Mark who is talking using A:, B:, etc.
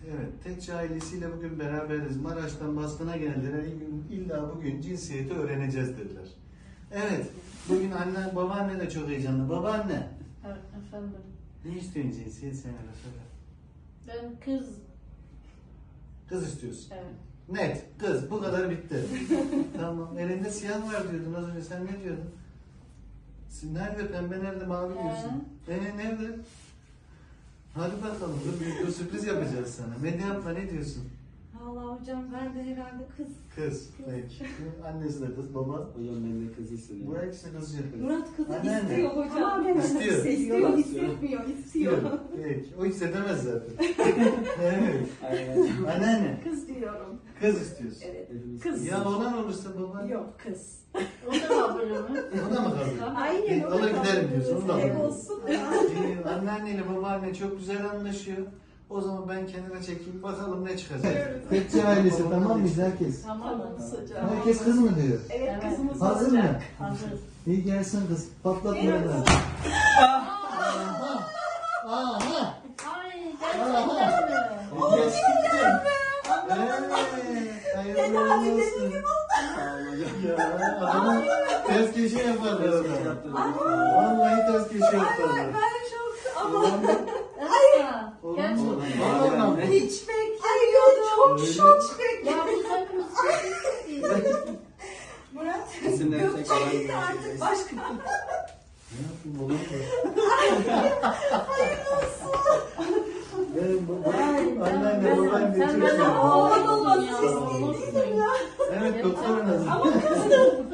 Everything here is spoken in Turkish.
A: Evet, Tekçi ailesiyle bugün beraberiz. Maraş'tan baskına geldiler. İlla bugün cinsiyeti öğreneceğiz dediler. Evet, bugün anne, babaanne de çok heyecanlı. Babaanne,
B: Evet, efendim.
A: ne istiyorsun cinsiyet sen hele söyle.
B: Ben kız.
A: Kız istiyorsun.
B: Evet.
A: Net, kız. Bu kadar bitti. Tamam, elinde siyah var diyordun az önce. Sen ne diyordun? Nerede pembe, nerede mavi diyorsun? Nerede? Hadi bakalım, dur sürpriz yapacağız sana. Ne yapma, ne diyorsun?
C: Vallahi hocam ben de herhalde kız.
A: Kız, peki. Annesi de kız, baba.
D: Hocam ben de kız istedim.
A: Bu ikisi kız yapıyor.
C: Murat kızı
A: Anneanne.
C: istiyor hocam. Ama ben
A: İstiyor.
C: istiyor, hissetmiyor, istiyor.
A: Peki, o hissedemez zaten. Evet.
D: Aynen hocam.
A: Anneanne,
C: Kız diyorum.
A: kız istiyorsun.
C: Evet.
D: Hepimiz
C: Kız.
A: Ya olan olursa baba.
C: Yok kız.
B: O da var böyle mi?
A: O da mı kalıyor?
C: Aynen
A: Alır giderim diyorsun, onu da
C: Ev
A: alırım.
C: olsun.
A: Anneanneyle babaanne çok güzel anlaşıyor. O zaman ben kenara çekeyim, bakalım ne çıkacak.
C: Evet.
A: Tekçi ailesi tamam mıyız herkes?
B: Tamam.
C: hocam.
A: Herkes kız mı diyor?
C: Evet
B: Evet.
C: kızımız
A: Hazır
C: olacak.
A: mı?
B: Hazır.
A: İyi gelsin kız. Patlatma
C: Evet.
A: beni. Aha! Aha!
B: Ay gerçekten mi?
A: Gerçekten. Evet. Hayırlı olsun.
D: Sağ olun hocam.
A: Ya adamın ters köşe yaparlar
D: Şey
A: orada.
D: yaptım.
A: Vallahi ters köşe yaparlar.
C: Ben çok ama
B: Ay.
A: Olur mu?
B: Gerçekten.
A: Vallahi.
C: hiç beklemiyordum. Çok
A: Öyle.
C: şok bekledim.
B: Ya biz hepimiz çok istiyoruz.
C: Murat
D: İsimler
C: Gökçe
D: tekrar
C: gitti artık başka.
A: Ne yapayım olur mu?
C: Hayırlı olsun.
A: Benim bu
B: Ay,
A: anneanne babaanne
B: sen
A: çok
B: benden
A: seviyorum.
C: oğlan olmasını
B: Ya,
C: istediydim
B: olursun.
C: ya.
A: Evet doktor nazım.
C: Ama kızdım.